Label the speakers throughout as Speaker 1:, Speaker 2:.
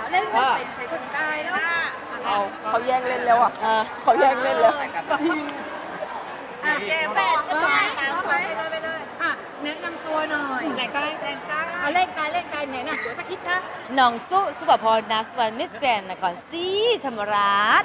Speaker 1: เล่นไม่เป็นใช้คนตายแล้ว
Speaker 2: เขาแย่งเล่นแล้วอ่ะเขาแย่งเล่นแล้วจริง
Speaker 1: อ่ะแกแฟนพร้อมไหมไปเลยอ่ะแนะนำตัวหน่อยไหนกายเล่นกายแนะนำตัวสักคิดค่ะ
Speaker 3: น้องสุภพรนักสวรรค์มิสแกรนด์นครศรีธรรมราช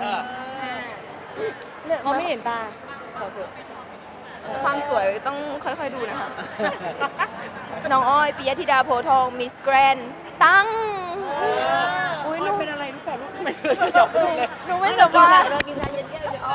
Speaker 3: เขาไม่เห็นตาเขาเถอะ
Speaker 2: ความสวยต้องค่อยๆดูนะคะ น้องอ้อยปิยธิดาโพธิ์ทองมิสแกรนด์ตั้งอุ้ยหนูเป็นอะไรรู้เปล่าลูกทำไมหนูไม่สบาย
Speaker 3: เรากินชาเย็นแก้วเดียว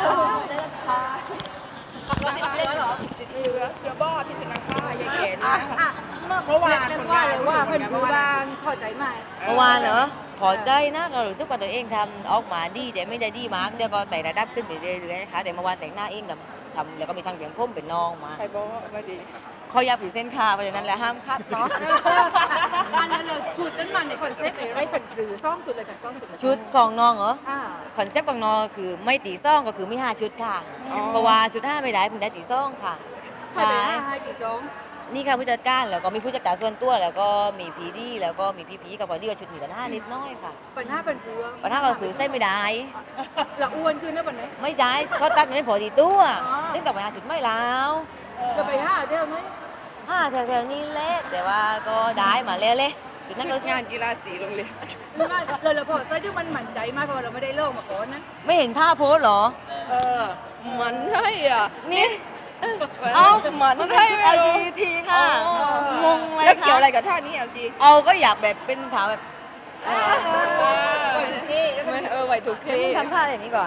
Speaker 2: ติดเชื้อเหรอติดเชื้อบ้าพิษสุนัขบ้ายายเก๋น
Speaker 1: อ่ะเมื่อวานเรียกว่าเลยว่าเพิ่นดูบางพอใจไหม
Speaker 3: เมื่อวานเหรอพอใจนะก็รู้สึกว่าตัวเองทำออกมาดีแต่ไม่ได้ดีมากเดี๋ยวก็แต่ระดับขึ้นไปเรื่อยๆนะคะแต่เมื่อวานแต่งหน้าเองกับทำแล้วก็มีทางเสียงพุ่มเป็นน้องมา
Speaker 2: ใครบอกว่าไม่ดี
Speaker 3: เขาอยากผิดเส้นค่ะเพราะฉะนั้นแล้วห้ามคัดเนาะ
Speaker 1: อันนั้นเลยชุดนั้นมันในคอนเซ็ปต์อะไรเป็นหรือซ่องชุดเลยกันซ่องชุด
Speaker 3: ชุดของน้องเหรอ
Speaker 1: อ่า
Speaker 3: คอนเซ็ปต์ของน้องคือไม่ตีซ่องก็คือมี5ชุดค่ะเพราะว่าชุด5ไม่ได้เพิ่งได้ตีซ่องค่ะ
Speaker 1: ใครไปให้กี่จง
Speaker 3: นี่ค่ะผู้จัดการแล้วก็มีผู้จัดการส่วนตัวแล้วก็มีพีดีแล้วก็มีพี่พีกับพอดีว่าชุดมีปัญหานิดน้อยค่ะ
Speaker 1: เป็นหน้าเป็นพวง
Speaker 3: ปัญหาก็คือเส้นไม่ได้
Speaker 1: ละอ้วนขึ้นนะปันนี้
Speaker 3: ไม่ใช่เขาตัดไม่พอดีตัว
Speaker 1: อ๋อ
Speaker 3: เล่นกับปัญหาชุดไม่แล้ว
Speaker 1: จะไปห้าเที่ยวไหม
Speaker 3: แถวๆนี้เละแต่ว่าก็ได้มาเละเลยชุดนั้นก็
Speaker 2: งานกีฬาสีโรงเรียน
Speaker 1: หรือว่าเราพอใส่ที่มันหมั่นใจมากเพราะเราไม่ได้เล่ามาก่อนนะ
Speaker 3: ไม่เห็นท่าโพสเหรอ
Speaker 2: มันให้อ่ะ
Speaker 3: นี่
Speaker 2: เอ้ามันให้
Speaker 3: ชุด
Speaker 2: ไม่รู้
Speaker 3: LGBT ค่ะ งงเลย
Speaker 2: แล้วเกี่ยวอะไร
Speaker 3: ค่ะ
Speaker 2: กับท่านี้LG
Speaker 3: เอาก็อยากแบบเป็นขาวแบบ
Speaker 2: ไหวถูกที่
Speaker 3: ทำท่าอะไรนี้ก่อน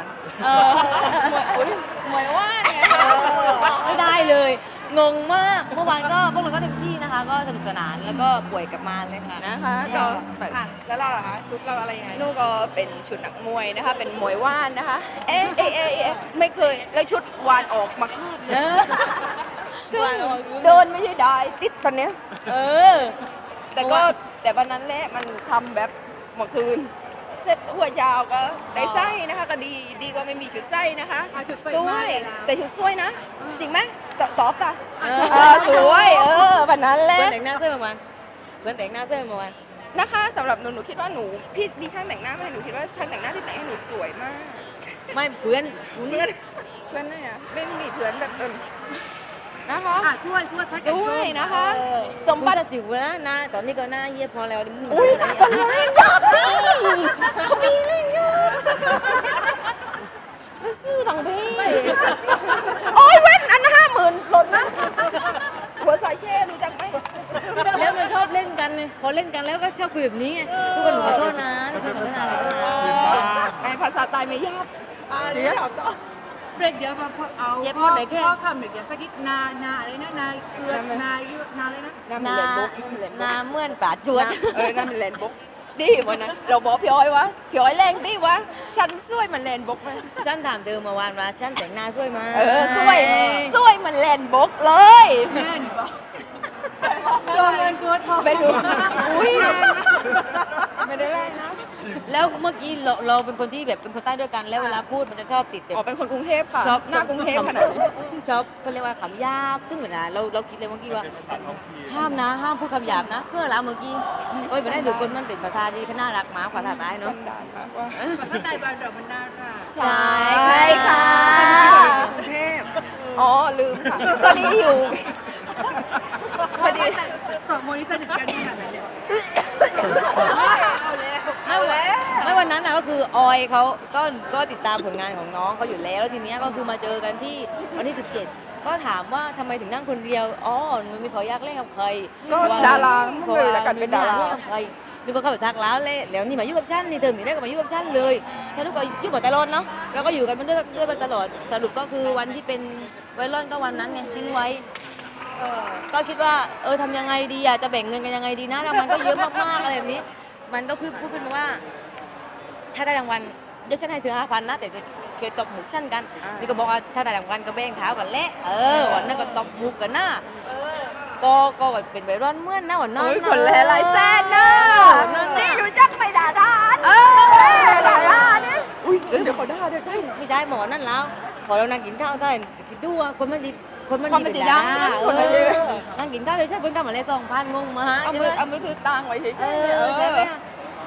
Speaker 2: หมวยว่าไง
Speaker 3: ไม่ได้เลย งงมาก เมื่อวานก็พวกเราก็เต็มที่นะคะ ก็สนุกสนานแล้วก็ป่วยกลับมาเลยค่ะ
Speaker 2: นะคะก็แล้วเราล่ะคะชุดเราอะไรยังไงนู่ก็เป็นชุดนักมวยนะคะ เป็นมวยว่านนะคะ ไม่เคยแล้วชุดวานออกมาคาดเลยซึ่งเดินไม่ใช่ได้ติดปันเนี้ย
Speaker 3: เออ
Speaker 2: แต่วันนั้นแหละมันทำแบบเมื่อคืนเสร็จหัวยาวก็ได้ไส้นะคะก็ดีก็ไม่มีชุดไส้นะคะสวยแต่ชุดสวยนะ จริงไหมตอบตาสวยวันนั้นแหละ
Speaker 3: เพื่อนแต่งหน้าเสื้อเมื่อวานเพื่อนแต่งหน้าเสื้อเมื่อวาน
Speaker 2: นะคะสำหรับหนูคิดว่าหนูพี่ช่างแต่งหน้าไม่หนูคิดว่าช่างแต่งหน้าที่แต่งให้หนูสวยมาก
Speaker 3: ไม่เพื่อน
Speaker 2: เพื่อนไหนอะไม่มีเพื่อนแบบนะคะ
Speaker 1: ช่วยพัก
Speaker 2: สวยนะคะ ส
Speaker 3: ส
Speaker 2: ม
Speaker 3: ม
Speaker 2: บั
Speaker 3: บั
Speaker 2: ติ
Speaker 3: ติจิ๋วนะหน้าตอนนี้ก็หน้าเยี่ยพอแล้วมึง
Speaker 2: อุ้ย
Speaker 3: อะไร
Speaker 2: เขามีเรื่องเยอะเขามีเรื่องเยอะมาซื้อทางพี่โอ้ยเว้นอัน50,000หล่นนะหัวสายเช่รู้จักไหม
Speaker 3: แล้วมันชอบเล่นกันไงพอเล่นกันแล้วก็ชอบคุยแบบนี้ไงทุกคนหนูขอโทษนะทุกคนขอโทษนะขอโทษนะ
Speaker 2: ไอภาษาตายไม่ยาก
Speaker 1: เดี๋ยวเบรกเดี๋ยวมาเอาพ่อคำเดี๋ยวสักนิดนาอะไรนะนาเกลือนาอะไรนะ
Speaker 2: น้ำ
Speaker 3: ห
Speaker 2: มัน
Speaker 3: น้า
Speaker 2: แลนบุ๊กน้ำมันแลน
Speaker 3: ห
Speaker 2: บุ๊
Speaker 3: น้าก เหมื่อนป่าจวด
Speaker 2: น้ำมันแลนบุ๊กดิวันนั้นเราบอกพี่อ้อยวะพี่อ้อยแรงดิวะฉันสวยมันแลนบุ๊กไหม
Speaker 3: ฉันถามเธอเมื่อวานว่าฉันแต่งหน้าสวยไหม
Speaker 2: สวยมันแลนบุ๊กเลย
Speaker 1: แม่นปะโดนเงินกูทอง
Speaker 2: ไปดูอุ้ยไม่ได้แรงนะ
Speaker 3: แล้วเมื่อกี้เราเป็นคนที่แบบเป็นคนใต้ด้วยกันแล้วเวลาพูดมันจะชอบติดแบบ
Speaker 2: อ๋อเป็นคนกรุงเทพค่ะ
Speaker 3: ชอบ
Speaker 2: หน้ากรุงเทพขนาดนี้
Speaker 3: ชอบเขาเรียกว่าคำหยาบซึ่งเหมือนนะเราคิดเลยเมื่อกี้ว่าห้ามนะห้ามพูดคำหยาบนะเพื่อเราเมื่อกี้โอ้ยไม่ได้ดูคนมันเป็นภาษาที่น่ารักมากภาษาใต้เนาะ
Speaker 2: สันดานมากว่า
Speaker 1: ภาษาใต้บ้านเรามันน่ารัก
Speaker 2: ใช่ค่ะ
Speaker 1: กรุงเทพ
Speaker 2: อ๋อลืมค่ะพอดีอยู่
Speaker 1: พอดีแต่สองคนนี้สนิทกันขนาดไหนเนี่ยเอาแล้ว
Speaker 3: ไม่วันนั้นนะก็คือออยเขาก็ติดตามผลงานของน้องเขาอยู่แล้วแล้วทีเนี้ยก็คือมาเจอกันที่วันที่ 17 ก็ถามว่าทำไมถึงนั่งคนเดียวอ๋อหนูมีขออยากเล่นกับใคร
Speaker 2: ก็ดาราไม่รู้จักกันเป็นดารา
Speaker 3: เล่นกับใครนึกว่าเขาไปทักแล้วเลยแล้วนี่มาอยู่กับฉันนี่เธอมีได้ก็มาอยู่กับฉันเลยฉันนึกว่าอยู่หมดตลอดเนาะเราก็อยู่กันมาด้วยมาตลอดสรุปก็คือวันที่เป็นไวรัลก็วันนั้นไงทิ้งไว้ก็คิดว่าทำยังไงดีอ่ะจะแบ่งเงินกันยังไงดีนะรางวัลก็เยอะมากๆอะไรแบบนี้ มันก็คือพูดขึ้นมาว่า ถ้าได้รางวัลเดี๋ยวฉันให้เธอ5,000นะแต่ช่วยตบหมุกฉันกันนี่ก็บอกว่าถ้าได้รางวัลก็แบ่งเท้ากันแหละวันนั้นก็ตบหมุกกันนะก็เป็นไวรัลเมื่อนนะวันนั้น
Speaker 2: โอ้ย
Speaker 3: นะ
Speaker 2: คนแลลายแซนนะ
Speaker 3: นี่
Speaker 2: รู้จักไปด่าดานด่าดาเนี่ยอุ้ยเดี๋ยวเขาด่าเดี๋ยวใช่
Speaker 3: ไม่ใช่หมอนั่นแล้วพอเรานั่งกินข้าวได้คิดดูว่าคนมันดีคนมัน
Speaker 2: ความ
Speaker 3: ดี
Speaker 2: เป็น
Speaker 3: เป็น
Speaker 2: จริง
Speaker 3: ดา
Speaker 2: นะ
Speaker 3: รา
Speaker 2: คนมันดี
Speaker 3: นั่งกินข้าวเลยใช่เพิ่งกำมาเลย2,000งงมา
Speaker 2: เอามือถือตังไว้เฉย
Speaker 3: ใช่
Speaker 2: ๆ
Speaker 3: ไหม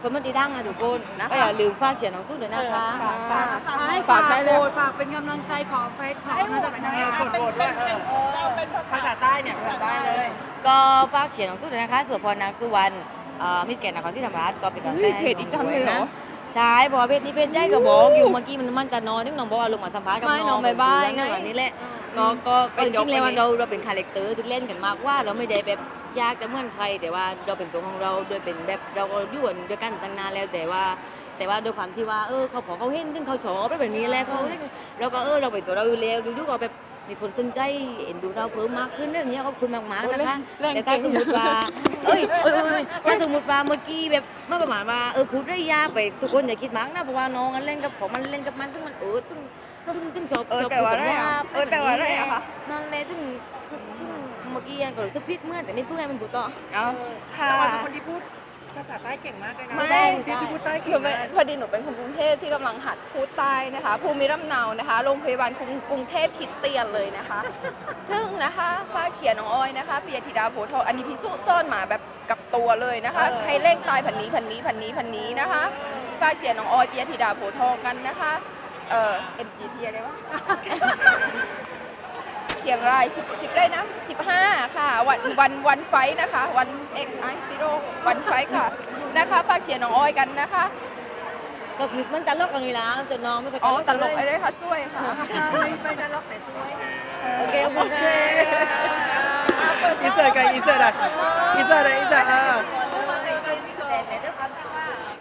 Speaker 3: คนมันตีดังนะทุกคนก็อย่าลืมฝากเขียนหนังสือด้วยนะคะ
Speaker 1: ให้
Speaker 2: ฝากได้เลย
Speaker 1: ฝากเป็นกำลังใจขอเฟซขอน่าจะเป็นยังไง
Speaker 4: กดโหวตด้วยภาษาใต้เนี่ยภาษาใต้เลย
Speaker 3: ก็ฝากเขียนหนังสือด้วยนะคะสุพรนางสุวรรณมิสแกรนด์นครศรีธรรมราชก็เป็นกำลังใจ
Speaker 2: เพจอีจันเลยเหรอ
Speaker 3: ใช่เพราะว่าเพจนี้เพจใหญ่ก็บอกอยู่เมื่อกี้มันจะนอนที่น้องบอกว่าลงมาสัมภาษณ์กับ
Speaker 2: ไม่
Speaker 3: น้อง
Speaker 2: น้องบ๊ายบายไง
Speaker 3: แบบนี้แหละก็จริงๆแล้วเราเป็นคาแรคเตอร์ที่เล่นกันมากว่าเราไม่ได้แบบยากจะเหมือนใคร แต่ว่าเราเป็นตัวของเราโดยเป็นแบบเราก็อยู่กันด้วยกันตั้งนานแล้วแต่ว่าด้วยความที่ว่าเขาพอเขาเห็นถึงเขาชอบแบบนี้แล้วเขาเราก็เราเป็นตัวเราอยู่แล้วดูก็แบบมีคนสนใจเอ็นดูเราเพิ่มมากขึ้นเรื่องนี้ขอบคุณมากๆนะคะ แต่ถ้าสมมติว่าถ้าสมมติว่าเมื่อกี้แบบเมื่อประมาณว่าพูดได้ยากไปทุกคนอย่าคิดมากนะเพราะว่าน้องเล่นกับผมมันเล่นกับมันซึ่งมันซึ่งชอบ
Speaker 2: แต่ว่าอะไรอะแต่ว่าอะไรอะคะ
Speaker 3: นั่นแหละซึ่งเมื่อกี้ก็รู้สึกผิดเมื่อแต่ไม่เพื่อนมันพูดต่อ
Speaker 2: เอาค่ะ
Speaker 4: แต่ว่าเป็นคนที่พูดภาษาใต้เก่งมากเลยนะ
Speaker 2: ไม่
Speaker 4: ที่พูดใต้
Speaker 2: ห
Speaker 4: เก่
Speaker 2: นู
Speaker 4: ง
Speaker 2: เป็น
Speaker 4: มาก
Speaker 2: พอดีหนูเป็นคนกรุงเทพที่กำลังหัดพูดใต้นะคะ ภูมิลำเนานะคะโรงพยาบาลกรุงเทพคริดเตียนเลยนะคะซึ่งนะคะฝ้าเขียนน้องออยนะคะปิยธิดาโพธิ์ทองอันนี้พิสูจน์ซ่อนมาแบบกับตัวเลยนะคะให้เลขตายพันนี้นะคะฝ้าเขียนน้องออยปิยธิดาโพธิ์ทองกันนะคะMGT อะไรวะ เชียงราย10ได้นะ15ค่ะวันไฟนะคะวันXI0วันไฟค่ะนะคะฝากเชียร์น้องอ้อยกันนะคะ
Speaker 3: ก็คือมันตลกกันอยู่แล้วจนน้องไม่เคย
Speaker 2: อ๋อตลกอะไรค่ะช่วยค่ะ
Speaker 1: ไปตลกแต่สวย
Speaker 3: โอเคขอบคุณค่ะ
Speaker 4: อินเสิร์ตกันอินเสิร์ตอ่ะอินเสิร์ตอ่ะ